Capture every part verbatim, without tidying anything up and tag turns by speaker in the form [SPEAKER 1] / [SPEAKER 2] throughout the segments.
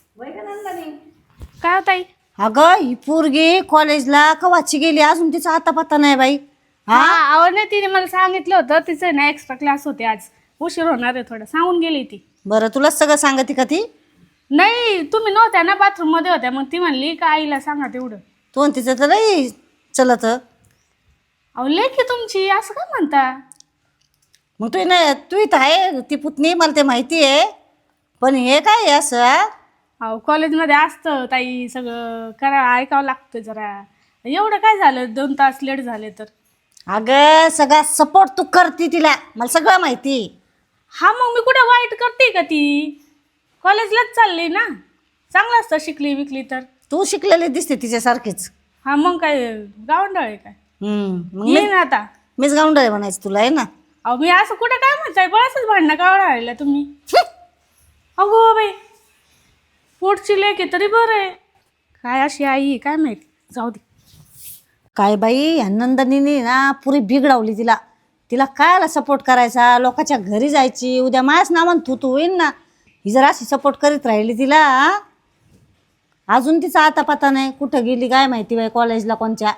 [SPEAKER 1] काय होताई?
[SPEAKER 2] अगं ही पोरगी कॉलेजला कवाची गेली अजून तिचा आता पत्ता नाही बाई.
[SPEAKER 1] हा आवडले तिने मला सांगितलं होतं तिचं ना एक्स्ट्रा क्लास होते आज उशीर होणार आहे थोडं सांगून गेली ती.
[SPEAKER 2] बरं तुला सगळं सांगते का ती?
[SPEAKER 1] नाही तुम्ही नव्हत्या ना बाथरूम मध्ये होत्या मग ती म्हणली का आईला सांगा तेवढं.
[SPEAKER 2] तो आणि तिचं तर नाही चलत.
[SPEAKER 1] अहो लेखी तुमची असं काय म्हणता?
[SPEAKER 2] मग तू नाही तू इथं आहे ती पुतणी मला ते माहिती आहे पण हे काय आहे असं हा?
[SPEAKER 1] अहो कॉलेजमध्ये असतं ताई सगळं करा ऐकावं लागतं जरा. एवढं काय झालं दोन तास लेट झाले तर?
[SPEAKER 2] अगं सगळा सपोर्ट तू करते तिला मला सगळं माहिती.
[SPEAKER 1] हा मग मी कुठं वाईट करते का ती? कॉलेजलाच चालली ना चांगलं असतं शिकली विकली तर.
[SPEAKER 2] तू शिकलेली दिसते तिच्यासारखीच.
[SPEAKER 1] हा मग काय गावंढळ आहे काय?
[SPEAKER 2] हम्म मग
[SPEAKER 1] ये
[SPEAKER 2] मी
[SPEAKER 1] ना आता.
[SPEAKER 2] मीच गावंढळ आहे म्हणायचं तुला आहे ना.
[SPEAKER 1] अहो मी असं कुठं काय म्हणताय बळाच भांडणं का राहिला तुम्ही? अगो बाई पोटची लेक आहे तरी बरं आहे. काय अशी आई आहे काय माहिती जाऊ दे.
[SPEAKER 2] काय बाई ह्या नंदनीने ना पुरी बिघडवली तिला. तिला कायला सपोर्ट करायचा लोकांच्या घरी जायची उद्या माझ्याच नावानं तू तू होईन ना. ही जर अशी सपोर्ट करीत राहिली तिला हा? अजून तिचा आता पता नाही कुठं गेली काय माहिती बाई कॉलेजला कोणच्या.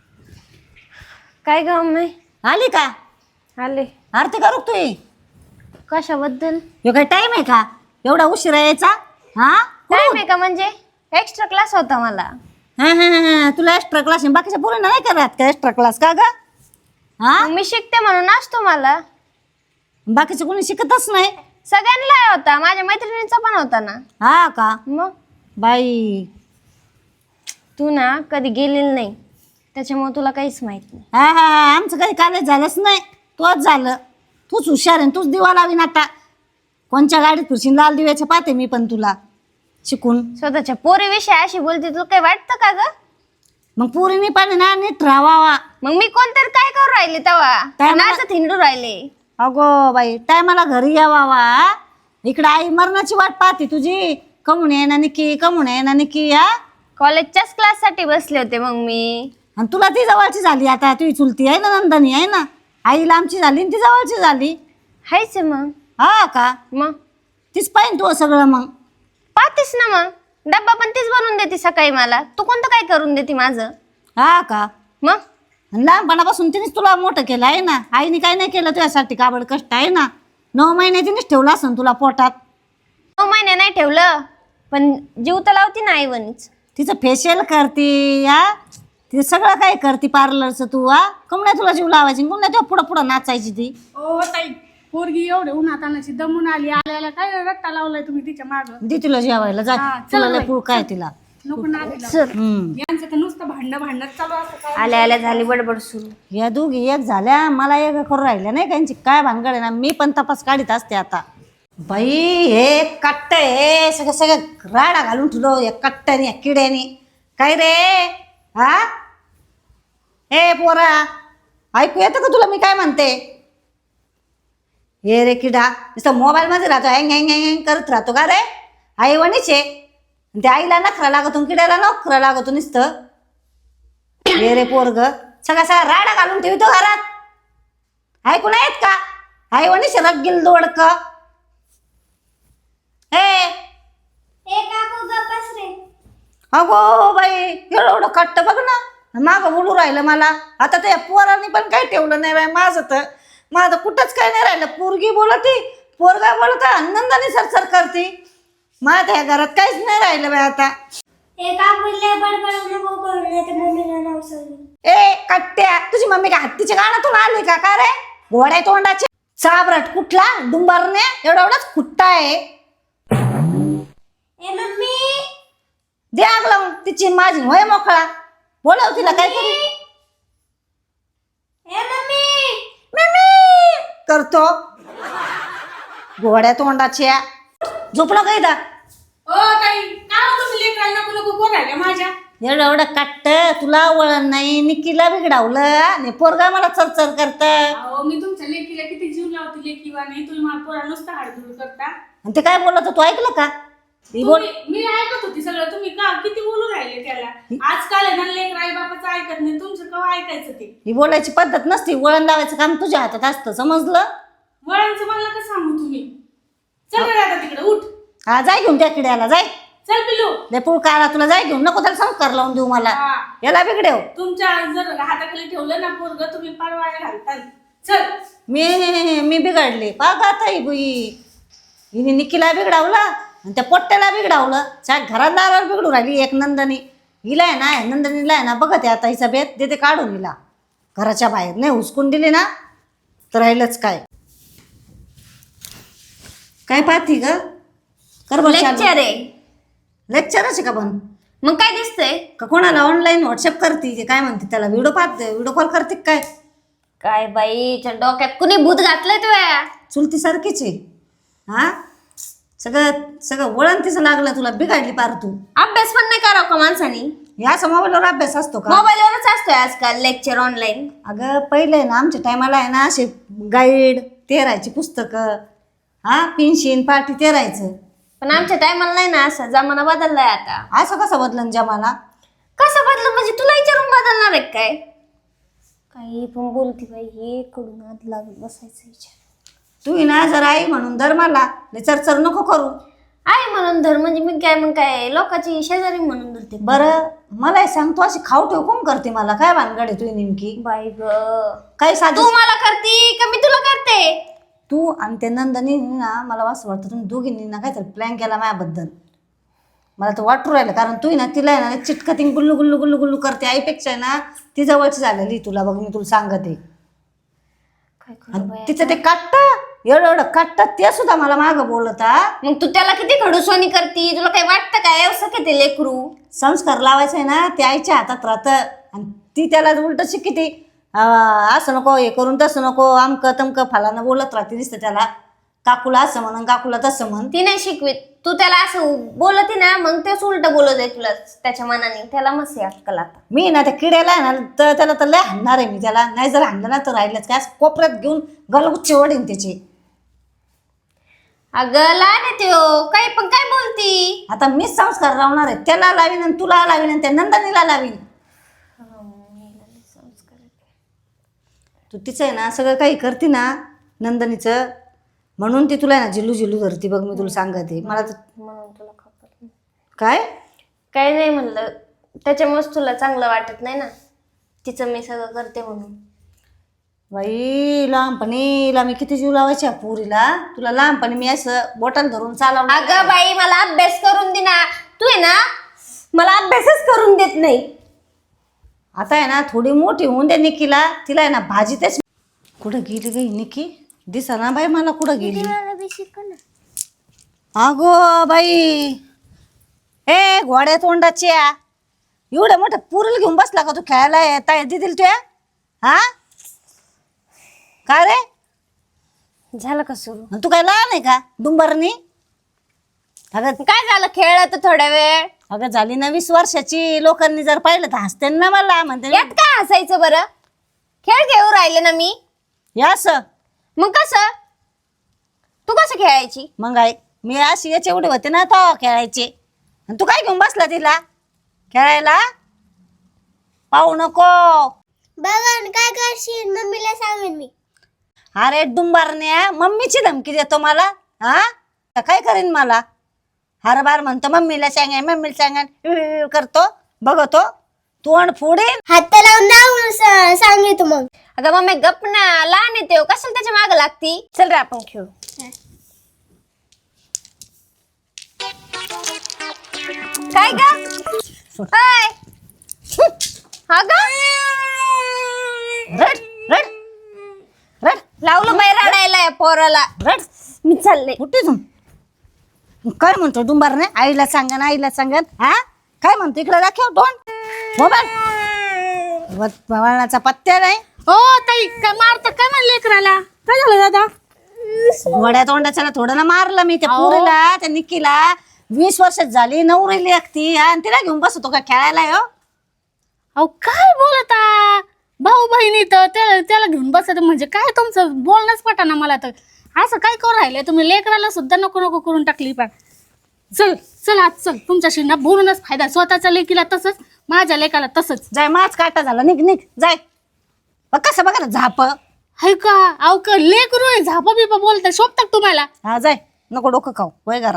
[SPEAKER 3] काय काम नाही
[SPEAKER 2] आली का?
[SPEAKER 3] आले.
[SPEAKER 2] आरती करू तू?
[SPEAKER 3] कशाबद्दल
[SPEAKER 2] हे काय टाइम आहे का एवढा उशिरा यायचा? हा
[SPEAKER 3] टाइम आहे का म्हणजे एक्स्ट्रा क्लास होता मला.
[SPEAKER 2] हा हा हा तुला एक्स्ट्रा क्लास बाकीच्या पोरांना नाही करत का एक्स्ट्रा क्लास का ग? हा
[SPEAKER 3] मग मी शिकते म्हणून असतो मला.
[SPEAKER 2] बाकीचं कोणी शिकतच नाही.
[SPEAKER 3] सगळ्यांना होता माझ्या मैत्रिणींचा पण होता ना.
[SPEAKER 2] हा का
[SPEAKER 3] मग
[SPEAKER 2] बाई?
[SPEAKER 3] तू ना कधी गेलेली नाही त्याच्यामुळे तुला काहीच माहित नाही.
[SPEAKER 2] हा हा हा आमचं काही कॉलेज झालंच नाही तोच झालं. तूच हुशार आहे तूच दिवा लावीन आता. कोणच्या गाडीत फिरशील लाल दिव्याच्या पाहते मी पण तुला शिकून.
[SPEAKER 3] स्वतःच्या पोरीविषयी अशी बोलते तुला काही वाटतं का ग?
[SPEAKER 2] मग पोरीने पण ना नीट राहावा.
[SPEAKER 3] मग मी कोणतरी काय करू राहिले
[SPEAKER 2] काय
[SPEAKER 3] तेव्हा
[SPEAKER 2] म्हणा-
[SPEAKER 3] नाचत हिंडू राहिले.
[SPEAKER 2] अगो बाई टायमाला घरी यावा वा. इकडं आई मरणाची वाट पाहते तुझी. कमून आहे ना निकी कमून आहे ना निकी हा.
[SPEAKER 3] कॉलेजच्याच क्लास साठी बसले होते मग मी.
[SPEAKER 2] आणि तुला ती जवळची झाली आता तुझी चुलती आहे ना नंदनी आहे ना. आईला आमची झाली आणि ती जवळची झाली.
[SPEAKER 3] हायच आहे मग.
[SPEAKER 2] हा का
[SPEAKER 3] मग
[SPEAKER 2] तीच पाहिजे तू सगळं मग.
[SPEAKER 3] पाहतेस ना मग डब्बा पण तीच बनवून देते सकाळी मला. तू कोणतं काय करून देते माझं?
[SPEAKER 2] हा का
[SPEAKER 3] मग
[SPEAKER 2] आणि लहानपणापासून तिनेच तुला मोठं केलं आहे ना. आईने काय नाही केलं तुझ्यासाठी काबड कष्ट आहे ना. नऊ महिने तिनेच ठेवलं असं तुला पोटात.
[SPEAKER 3] नऊ महिने नाही ठेवलं पण जीव तर लावती ना आईवणीच.
[SPEAKER 2] तिचं फेशियल करते हा. तिचं सगळं काय करते पार्लरचं तू हा. कम नाही तुला जीव लावायची कम नाही तुला पुढं पुढं नाचायची ती.
[SPEAKER 1] ओ ताई पोरगी एवढे उन्हात आणायची दमून आली आल्याला काय रट्टा लावलाय तुम्ही तिच्या माग?
[SPEAKER 2] दे तुला जेवायला जा.
[SPEAKER 1] हा, चल
[SPEAKER 2] तुला लय
[SPEAKER 1] बाई,
[SPEAKER 2] पुळ काय तिला.
[SPEAKER 1] नको नादी लावू.
[SPEAKER 3] सर
[SPEAKER 2] हम्म
[SPEAKER 1] यांचं तर नुसतं भांडणं भांडणं चालू असतं काय.
[SPEAKER 3] आल्या आल्या झाली बडबड सुरू.
[SPEAKER 2] या दोघी एक झाल्या मला एक करून राहिल्या नाही त्यांची काय भानगड आहे ना. मी पण तपास काढीत असते आता. बाई हे कट्ट हे सगळं सगळं राडा घालून ठेवलो या कट्ट्याने या किड्याने. काय रे हा हे पोरा ऐकू येतं का तुला मी काय म्हणते? हे रे किडा नुसतं मोबाईलमध्ये राहतो हँग हँग हँग करत राहतो का रे? आई वणीचे त्या आईला नखरा लागतो किड्याला नखरा लागतो नुसतं. हे रे पोरग सगळा सगळा राडा घालून ठेवतो घरात. ऐकून आहेत का? आई वणीचे रगील दोडक. हे अगो बाई एवढं एवढं कट्ट बघ ना मागं बोलू राहिलं मला. आता त्या पोरांनी पण काही ठेवलं नाही बाई माझं तर. माझं कुठंच काही नाही राहिलं. पोरगी बोलती पोरगा बोलत आनंदाने सरसर करते. माझ्या या घरात काहीच नाही राहिलं बाई आता. ए कट्ट्या तुझी मम्मी काय हत्तीच्या गाण्यातून आली का का रे? घोड्या तोंडाचे चाबरट कुठला डुंबरने एवढा एवढाच खुट्टा आहे. दे आग लावून तिची माझी होय मोकळा. बोलाव तिला काय करू करतो घोड्या तोंडाच्या. झोपला काय दा?
[SPEAKER 1] ओ ताई काय हो तुम्ही लेकराला नको नको करू राहिल्या माझ्या?
[SPEAKER 2] एवढं एवढं काट्ट तुला वळण नाही निकीला बिघडावलं आणि पोरगा मला चरचर करत.
[SPEAKER 1] अहो मी तुमच्या लेकीला किती जीव लावते लेकीवा नाही तुम्ही मला पोरा नुसतं हाडधूड करता.
[SPEAKER 2] आणि ते काय बोलत होतं, तू ऐकलं का? ती बोल
[SPEAKER 1] तुम्ही- मी ऐकत होती सगळं. तुम्ही का किती बोलू राहिले त्याला? आजकाल आहे ना लेकर आई बापाचं ऐकत नाही. तुमचं केव्हा ऐकायचं ते?
[SPEAKER 2] ही बोलायची पद्धत नसती. वळण लावायचं काम तुझ्या हातात असतं समजलं.
[SPEAKER 1] वळांचं मला का सांगू तुम्ही? चल रे आता तिकडे उठ.
[SPEAKER 2] हा जाय घेऊन त्या किड्याला जाय.
[SPEAKER 1] चल पिलू.
[SPEAKER 2] लेपूळ काळा तुला जाय घेऊन नको त्याला संस्कार लावून देऊ मला.
[SPEAKER 1] हा.
[SPEAKER 2] याला बिघडेव.
[SPEAKER 1] तुमच्या जर हाताखाली ठेवलं ना पोरग तुम्ही परवाया घालताल. चल.
[SPEAKER 2] मी मी बिघडले पाग आता ही बुई हिने निकीला बिघडावलं आणि त्या पोट्ट्याला बिघडावलं. च्या घरात दारावर बिघडू राहिली एक नंदनी. हिला आहे ना नंदनीला आहे ना बघत आता हिचा बेत देते काढून हिला घराच्या बाहेर. नाही हुसकून दिली ना तर राहिलंच काय. काय पाहती ग कर
[SPEAKER 3] लेक्चर आहे.
[SPEAKER 2] लेक्चरच आहे का पण
[SPEAKER 3] मग काय दिसतंय?
[SPEAKER 2] का कोणाला ऑनलाईन व्हॉट्सअप करते ते काय म्हणते त्याला व्हिडिओ पाहते व्हिडिओ कॉल करते का काय.
[SPEAKER 3] काय बाई च्या डोक्यात कुणी भूत घातलंय तुया?
[SPEAKER 2] चुलती सारखीच आहे. हा सगळं सगळं वळण तिचं लागलं तुला बिघडली पार तू.
[SPEAKER 3] अभ्यास पण नाही करावं का माणसानी?
[SPEAKER 2] या मोबाईलवर अभ्यास असतो का?
[SPEAKER 3] मोबाईलवरच असतोय आजकाल लेक्चर ऑनलाईन.
[SPEAKER 2] अगं पहिले ना आमच्या टायमाला आहे ना असे गाईड ते राहायची पुस्तकं. हा पेन्शिन पाटी ते राहायचं.
[SPEAKER 3] पण आमच्या टायमाला नाही ना असं. जमाना बदललाय आता.
[SPEAKER 2] असं कसं बदलन जमाना?
[SPEAKER 3] कसं बदल म्हणजे तुला विचारून बदलणार आहे काय? काही पण बोलती बाई हे कडून आधी लागत बसायचं विचार.
[SPEAKER 2] तू ही ना जर आई म्हणून धर मला लय चरचर नको करू.
[SPEAKER 3] आहे म्हणून धर म्हणजे मी काय मग काय लोकांची शेजारी म्हणून धरते?
[SPEAKER 2] बरं मला हे सांग तू अशी खाऊ ठेव कोण करते मला काय भानगड आहे तुझी नेमकी?
[SPEAKER 3] बाई ग
[SPEAKER 2] काय साधू
[SPEAKER 3] तू मला करती का मी तुला करते?
[SPEAKER 2] तू आणि ते नंदनी ना मला असं वाटतं तुम्ही दोघींनी ना काहीतरी प्लॅन केला माझ्याबद्दल. मला तर वाटू राहिलं कारण तू ना तिला आहे ना चिटकतिंग गुल्लू गुल्लू गुल्लू गुल्लू करते. आईपेक्षा आहे ना ती जवळची झालेली तुला बघ मी तुला सांगते.
[SPEAKER 3] काय करू बाई?
[SPEAKER 2] तिचं ते काट्ट एवढं एवढं काट्ट ते सुद्धा मला मागं बोलता.
[SPEAKER 3] मग तू त्याला किती खडूसवानी करती? तुला काही वाटतं काय असं की ते लेकरू?
[SPEAKER 2] संस्कार लावायचं आहे ना ते आईच्या हातात राहतं आणि ती त्याला उलट शिकती. असं नको हे करून तसं नको आमकं तमकं फालानं बोलत राहते नुसतं त्याला. काकूला असं म्हण काकूला तसं म्हण.
[SPEAKER 3] ती नाही शिकवीत. तू त्याला असं बोलती ना मग तेच उलट बोलत आहे तुला त्याच्या मनाने. त्याला मस्त आहे अक्कल आता.
[SPEAKER 2] मी ना त्या किड्याला आहे ना तर त्याला तर लय हाणणार आहे मी त्याला. नाही जर हाणलं ना तर राहिलंच काय असं कोपऱ्यात घेऊन गलगुच्चे वडीन त्याची.
[SPEAKER 3] अगं लहान आहे त्यो काही पण काय बोलती?
[SPEAKER 2] आता मीच संस्कार लावणार आहे. त्याला लावीन आणि तुला लावीन आणि त्या नंदनीला लावीन. तू तिचं आहे ना सगळं काही करते ना नंदनीचं म्हणून ती तुला आहे ना झिलू झिलू धरती बघ मी तुला सांगते. मला तर
[SPEAKER 3] म्हणून तुला खबर
[SPEAKER 2] काय
[SPEAKER 3] काय नाही म्हणलं त्याच्यामुळेच तुला चांगलं वाटत नाही ना तिचं मी सगळं करते म्हणून.
[SPEAKER 2] बाई लहानपणीला मी किती जीव लावायच्या पुरीला. तुला लहानपणी मी असं बॉटल धरून चालवलं.
[SPEAKER 3] अगं बाई मला अभ्यास करून दे ना. तू आहे ना मला अभ्यासच करून देत नाही.
[SPEAKER 2] आता आहे ना थोडी मोठी होऊन दे निकीला. तिला आहे ना भाजी तेच. कुठं गेली गई निकी दिसा ना बाई मला कुठं गेली. अगो बाई ए घोड्या तोंडाच्या एवढ्या मोठ्या पुरीला घेऊन बसला का तू खेळायला येता दितील तुया? हा काय रे
[SPEAKER 3] झालं का सुरू?
[SPEAKER 2] आणि तू काय लहान आहे का डुंबरनी? अगं
[SPEAKER 3] काय झालं खेळलं तर थोड्या वेळ.
[SPEAKER 2] अगं झाली ना वीस वर्षाची. लोकांनी जर पाहिलं तर हसते ना मला म्हणते
[SPEAKER 3] यात काय हसायचं बरं? खेळ घेऊ राहिले ना मी.
[SPEAKER 2] या असं
[SPEAKER 3] मग कसं तू कसं खेळायची?
[SPEAKER 2] मग आहे मी अशी याचे एवढे होते ना तो खेळायचे आणि तू काय घेऊन बसला तिला खेळायला? पाहू नको
[SPEAKER 3] बघा काय करशील मम्मीला सांगेन मी.
[SPEAKER 2] अरे डुंबारण्या मम्मीची धमकी देतो मला. हा तर काय करीन मला? हर बार म्हणतो मम्मीला सांगेन मम्मीला सांगेन करतो बघतो तोंड फोडेन.
[SPEAKER 3] हात लावून सांगितलं मग. अगं मम्मी गप ना लहान येते कशाला त्याच्या माग लागती. चल रे आपण खेळू. काय ग
[SPEAKER 2] रड रड रड
[SPEAKER 3] लावलं बाई रडायला या पोराला.
[SPEAKER 2] रड
[SPEAKER 3] मी चालले
[SPEAKER 2] कुठे तू काय म्हणतो डुंबारने? आईला सांगन आईला सांगन. हा काय म्हणतो इकडे दाखव तोंड मोबाईल वळणाचा पत्त्या नाही.
[SPEAKER 1] ओ ताई काय मारता काय म्हणले लेकराला? काय झालं दादा?
[SPEAKER 2] घोड्या तोंडाच्याला थोडं ना मारलं मी त्या पुरीला त्या निकीला. वीस वर्षात झाली नवरीली एकती आणि तिला घेऊन बसतो का खेळायला? हो
[SPEAKER 1] अहो काय बोलता भाऊ बहिणी तर त्याला त्याला घेऊन बसत म्हणजे काय तुमचं बोलणंच पटाना मला तर. असं काय करू राहिले तुम्ही? लेकराला सुद्धा नको नको करून टाकली पण. चल चल आज चल तुमच्याशी ना बोलूनच फायदा. स्वतःच्या लेकीला तसंच माझ्या लेकाला तसंच.
[SPEAKER 2] जाय माच काटा झाला निघ निघ जाय. बघ कसं बघा ना झाप.
[SPEAKER 1] हाय का अहो का लेकरू आहे झापा बिपा बोलता शोभतात तुम्हाला?
[SPEAKER 2] हा जाय नको डोकं खाऊ वय घरात.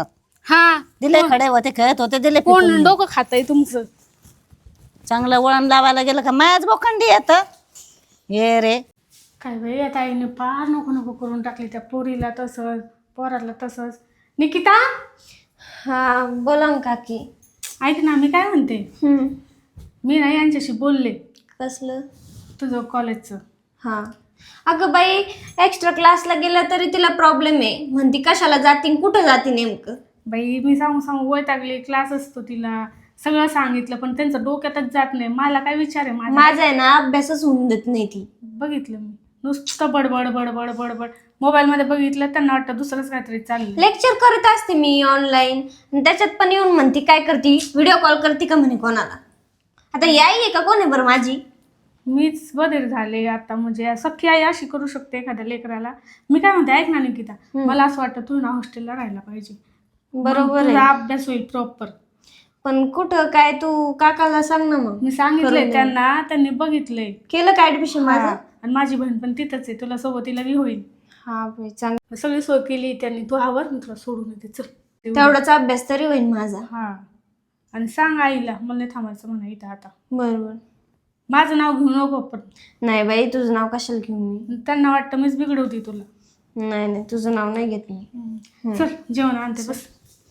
[SPEAKER 1] हा
[SPEAKER 2] दिले खडे होते खेळत होते दिले
[SPEAKER 1] कोण
[SPEAKER 2] पिकून.
[SPEAKER 1] डोकं खातंय तुमचं?
[SPEAKER 2] चांगलं वळण लावायला गेलं का मायाच बोखंडी येत ये रे.
[SPEAKER 1] काय बाई आता आईने फार नको नको करून टाकली त्या पोरीला तसंच पोराला तसंच. निकिता
[SPEAKER 3] हा बोला ना काकी.
[SPEAKER 1] ऐक ना मी काय म्हणते,
[SPEAKER 3] हम्म.
[SPEAKER 1] मी ना यांच्याशी बोलले
[SPEAKER 3] कसलं?
[SPEAKER 1] तुझं कॉलेजचं.
[SPEAKER 3] हा अगं बाई, एक्स्ट्रा क्लासला गेलं तरी तिला प्रॉब्लेम आहे. म्हणती कशाला जाती कुठं जाती नेमकं.
[SPEAKER 1] बाई मी सांगू सांगू वैतागले. क्लास असतो तिला सगळं सांगितलं पण त्यांचं डोक्यातच जात नाही. मला काय विचार आहे माझा?
[SPEAKER 3] माझा आहे ना अभ्यासच होऊन देत नाही ती.
[SPEAKER 1] बघितलं मी नुसतं बडबड बडबड बडबड. मोबाईलमध्ये बघितलं त्यांना वाटतं दुसरंच काहीतरी चाललं.
[SPEAKER 3] लेक्चर करत असते मी ऑनलाईन, त्याच्यात पण येऊन म्हणती काय करती, व्हिडिओ कॉल करते का म्हणे कोणाला. आता याई आहे का कोण आहे बरं माझी?
[SPEAKER 1] मीच बधीर झाले आता. म्हणजे सख्खी आई अशी करू शकते एखाद्या लेकराला. मी काय म्हणते ऐक ना निकिता, मला असं वाटतं तू ना हॉस्टेलला राहायला पाहिजे.
[SPEAKER 3] बरोबर
[SPEAKER 1] तुझा
[SPEAKER 3] आहे,
[SPEAKER 1] अभ्यास होईल प्रॉपर.
[SPEAKER 3] पण कुठं काय तू काकाला सांग ना मग.
[SPEAKER 1] मी सांगितलंय त्यांना, त्यांनी बघितलंय.
[SPEAKER 3] केलं का ऍडमिशन माझं?
[SPEAKER 1] हा. आणि माझी बहीण पण तिथंच आहे, तुला सोबतीला बी होईल.
[SPEAKER 3] हा बाई चांगलं.
[SPEAKER 1] सगळी सोय केली त्यांनी. तू आवर मी तुला सोडून येते चल.
[SPEAKER 3] तेवढाच अभ्यास तरी होईल माझा.
[SPEAKER 1] हा आणि सांग आईला मला नाही थांबायचं म्हणा इथं आता.
[SPEAKER 3] बरोबर.
[SPEAKER 1] माझं नाव घेऊ नको पण.
[SPEAKER 3] नाही बाई तुझं नाव कशाला घेऊ मी.
[SPEAKER 1] त्यांना वाटतं मीच बिघडवते तुला.
[SPEAKER 3] नाही नाही तुझं नाव नाही घेत मी.
[SPEAKER 1] चल जेवण आणते बस.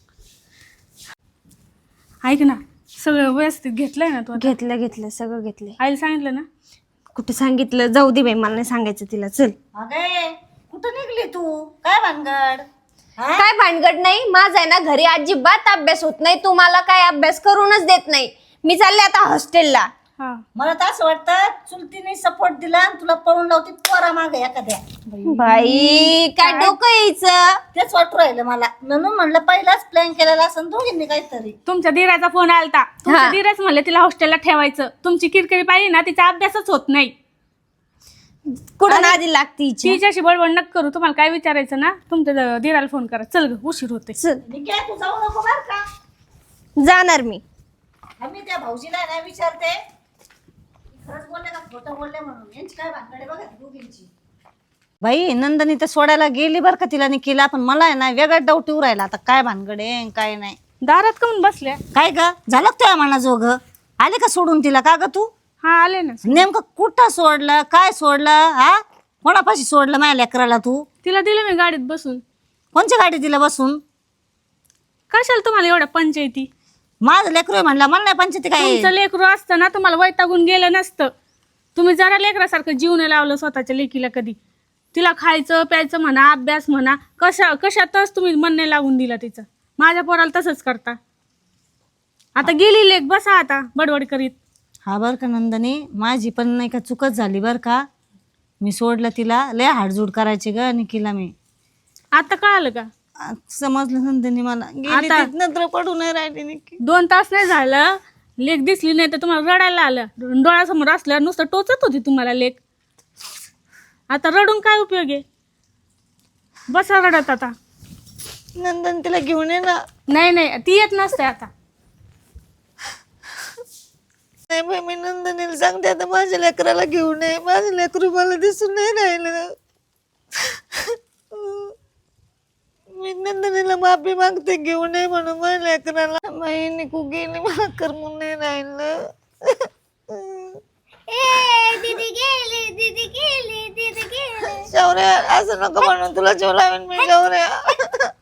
[SPEAKER 1] ऐक ना सगळं व्यवस्थित घेतलंय ना तू आता?
[SPEAKER 3] घेतलं घेतलं सगळं घेतलंय.
[SPEAKER 1] आईला सांगितलं ना?
[SPEAKER 3] कुठे सांगितलं, जाऊ दे बाई मला नाही सांगायचं तिला. चल.
[SPEAKER 2] अगे कुठं निघली तू? काय भानगड? हा?
[SPEAKER 3] काय भानगड नाही, माझा आहे ना घरी अजिबात अभ्यास होत नाही. तू मला काय अभ्यास करूनच देत नाही. मी चालले आता हॉस्टेलला.
[SPEAKER 1] हा
[SPEAKER 2] मला तर असं वाटतं चुलतीने सपोर्ट दिला आणि तुला पळून लावती पोरा मागे एखाद्या.
[SPEAKER 3] बाई काय डोकं यायचं.
[SPEAKER 2] तेच वाटू राहिलं मला. म्हणून म्हणलं पहिलाच प्लॅन केलेला असं दोघींनी काहीतरी.
[SPEAKER 1] तुमच्या धीराचा फोन आलता. तुमच्या धीरच म्हणले तिला हॉस्टेलला ठेवायचं. तुमची किरकिरी पाहिजे ना, तिचा अभ्यासच होत नाही.
[SPEAKER 3] कुठं नादी लागती हिची?
[SPEAKER 1] तिच्याशी बडबड नक करू. तुम्हाला काय विचारायचं ना तुमच्या धीराला फोन करा. चल ग उशीर होते.
[SPEAKER 3] चल
[SPEAKER 2] निघे तू जाऊ नको बर का.
[SPEAKER 3] जाणार मी.
[SPEAKER 2] आम्ही त्या भाऊजीला नाही विचारते खरंच बोलले का खोटं बोलले म्हणून. यांची काय भानगड बघा दोघींची. बाई नंदनी तर सोडायला गेली बरं का तिला निकीला, पण मला आहे ना वेगळा डाऊट येऊ राहिला आता काय भानगड आहे काय नाही.
[SPEAKER 1] दारात कमून बसल्या?
[SPEAKER 2] काय ग झालं तुझ्या मना जोग? आले का सोडून तिला? का ग तू
[SPEAKER 1] हा आले ना.
[SPEAKER 2] नेमकं कुठं सोडलं काय सोडलं? हा कोणापाशी सोडलं माझ्या लेकराला तू?
[SPEAKER 1] तिला दिलं मी गाडीत बसून.
[SPEAKER 2] कोणच्या गाडीत तिला बसून?
[SPEAKER 1] कशाला तुम्हाला एवढ्या पंचायती?
[SPEAKER 2] माझं लेकरू आहे म्हणलं, मला नाही पंचायती काय.
[SPEAKER 1] तुमचं लेकरू असतं ना तुम्हाला वैतागून गेलं नसतं. तुम्ही जरा लेकरासारखं जीव नाही लावलं स्वतःच्या लेकीला कधी. तिला खायचं प्यायचं म्हणा, अभ्यास म्हणा, कशा कशातच तुम्ही मन नाही लागून दिला तिचं. माझ्या पोराला तसंच करता. आता गेली लेक, बसा आता बडबड करीत.
[SPEAKER 2] हा बरं का नंदनी, माझी पण नाही का चुकच झाली बरं का. मी सोडलं तिला, लय हाडजूड करायची ग निकीला मी.
[SPEAKER 1] आता कळालं का?
[SPEAKER 2] आ, समजलं नंदनी मला. गेली
[SPEAKER 1] आता-
[SPEAKER 2] तीच नंतर पडू नाही राहिली निकी.
[SPEAKER 1] दोन तास नाही झालं लेक दिसली नाही तर तुम्हाला रडायला आलं. डोळ्यासमोर असल्यावर नुसतं टोचत होती तुम्हाला लेक. आता रडून काय उपयोग आहे? बसा रडत आता.
[SPEAKER 2] नंदन तिला घेऊन ये ना.
[SPEAKER 1] नाही नाही ती येत नसते आता.
[SPEAKER 2] नाही बाई मी नंदनीला सांगते आता माझ्या लेकराला घेऊन ये. माझं लेकरू मला दिसून नाही राहिलं. मी नंदनीला माफी मागते घेऊन ये म्हणून माझ्या लेकराला. बाई निकू गेली मला करमून नाही राहिलं.
[SPEAKER 3] दीदी गेली दीदी गेली दीदी गेली.
[SPEAKER 2] शौर्या असं नको म्हणून तुला जेव लावेन मी शौर्या.